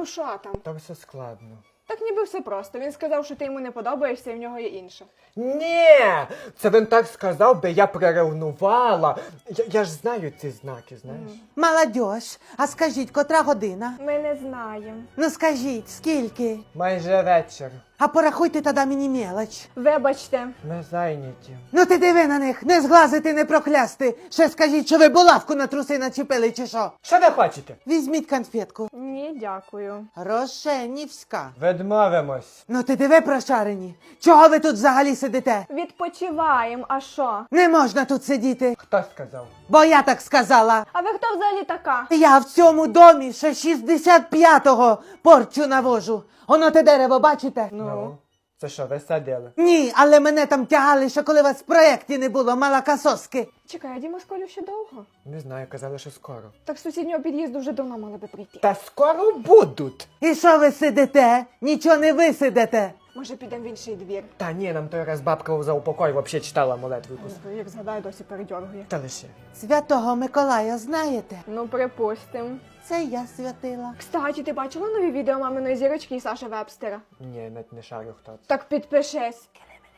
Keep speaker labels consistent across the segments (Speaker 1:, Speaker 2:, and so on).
Speaker 1: Ну що там?
Speaker 2: Та все складно.
Speaker 1: Так ніби все просто. Він сказав, що ти йому не подобаєшся і в нього є інше.
Speaker 2: Ні, це він так сказав, би я приревнувала. Я ж знаю ці знаки, знаєш.
Speaker 3: Молодьож, а скажіть, котра година?
Speaker 1: Ми не знаємо.
Speaker 3: Ну скажіть, скільки?
Speaker 2: Майже вечір.
Speaker 3: А порахуйте тоді мені мелоч.
Speaker 1: Вибачте.
Speaker 2: Ми зайняті.
Speaker 3: Ну ти диви на них, не зглазити, не проклясти. Ще скажіть, що ви булавку на труси начепили чи що?
Speaker 2: Що ви хочете?
Speaker 3: Візьміть конфетку.
Speaker 1: Ні, дякую.
Speaker 3: Рошенівська.
Speaker 2: Відмовимось.
Speaker 3: Ну ти диви, прошарені. Чого ви тут взагалі сидите?
Speaker 1: Відпочиваємо, а що?
Speaker 3: Не можна тут сидіти,
Speaker 2: Хто сказав?
Speaker 3: бо я так сказала.
Speaker 1: А ви хто взагалі така?
Speaker 3: Я в цьому домі ще 65-го порчу навожу. Оно те дерево, бачите?
Speaker 2: Ну. Це що, ви садили?
Speaker 3: Ні, але мене там тягали, ще коли вас в проєкті не було, малакасоски.
Speaker 1: Чекай, а Діма з Колею ще довго?
Speaker 2: Не знаю, казали, що скоро.
Speaker 1: Так з сусіднього під'їзду вже давно мали би прийти.
Speaker 2: Та скоро будуть.
Speaker 3: І що ви сидите? Нічого не висидите.
Speaker 1: Може підемо в інший двір?
Speaker 2: Та ні, нам той раз бабка за упокой взагалі читала молитву якусь.
Speaker 1: Як згадаю, досі передьоргує.
Speaker 2: Та лише.
Speaker 3: Святого Миколая знаєте?
Speaker 1: Ну, припустим.
Speaker 3: Це я святила.
Speaker 1: Кстати, ти бачила нові відео маминої зірочки і Саші Вебстера?
Speaker 2: Ні, навіть не шарю хто це.
Speaker 1: Так підпишись.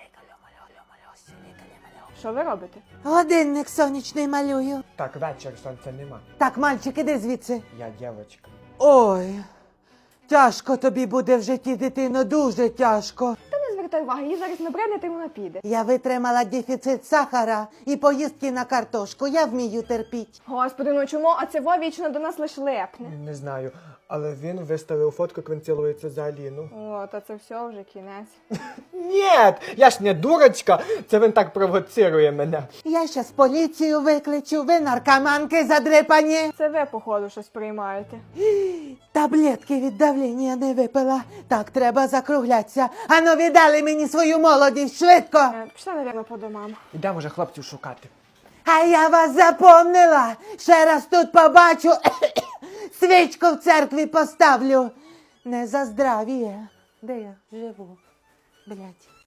Speaker 1: Що ви робите?
Speaker 3: Годинник сонячний малюю.
Speaker 2: Так, вечір, сонця нема.
Speaker 3: Так, мальчик, іди звідси.
Speaker 2: Я дівчинка.
Speaker 3: Ой, тяжко тобі буде в житті, дитино, дуже тяжко.
Speaker 1: Та не звертай уваги, їй зараз набридне, та вона піде.
Speaker 3: Я витримала дефіцит сахара і поїздки на картошку. Я вмію терпіть.
Speaker 1: Господи, ну чому? А це вічно до нас лиш лепне.
Speaker 2: Не знаю, але він виставив фотку, як він цілується за Аліну.
Speaker 1: О, та це все вже кінець.
Speaker 2: Ні, я ж не дурочка, це він так провоцирує мене.
Speaker 3: Я щас поліцію викличу, ви наркоманки задрипані.
Speaker 1: Це ви, походу, щось приймаєте.
Speaker 3: Таблетки від давлення не випила. Так, треба закруглятися. Ану, віддали мені свою молодість, швидко.
Speaker 1: Пішла, навірно, по домам.
Speaker 2: Ідемо вже хлопців шукати.
Speaker 3: А я вас запомнила. Ще раз тут побачу, свічку в церкві поставлю. Не за здравіє. Де я живу? Блядь.